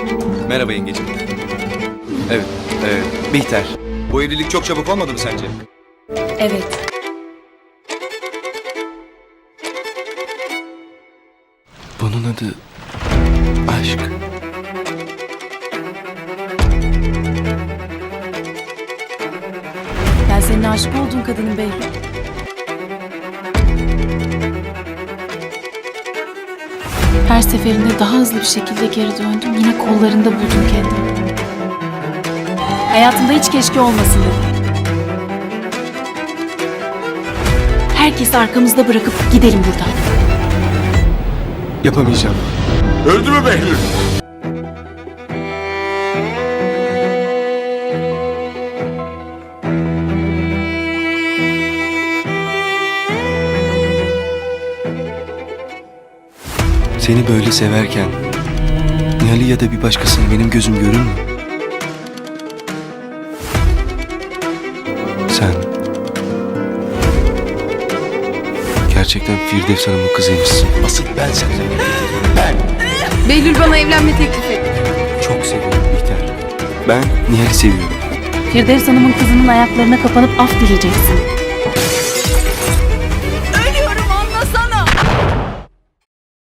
Merhaba yengeciğim. Evet, Bihter. Bu evlilik çok çabuk olmadı mı sence? Evet. Bunun adı aşk. Ben senin aşık olduğun kadının Behlül. Her seferinde daha hızlı bir şekilde geri döndüm. Yine kollarında buldum kendimi. Hayatımda hiç keşke olmasın dedim. Herkesi arkamızda bırakıp gidelim buradan. Yapamayacağım. Öldü mü Behlül? Seni böyle severken Nihal'i ya da bir başkasını benim gözüm görür mü? Sen gerçekten Firdevs Hanım'ın kızıymışsın. Asıl ben senden nefret ediyorum. Ben. Behlül bana evlenme teklif etti. Çok seviyorum Bihter. Ben Nihal'i seviyorum. Firdevs Hanım'ın kızının ayaklarına kapanıp af dileyeceksin.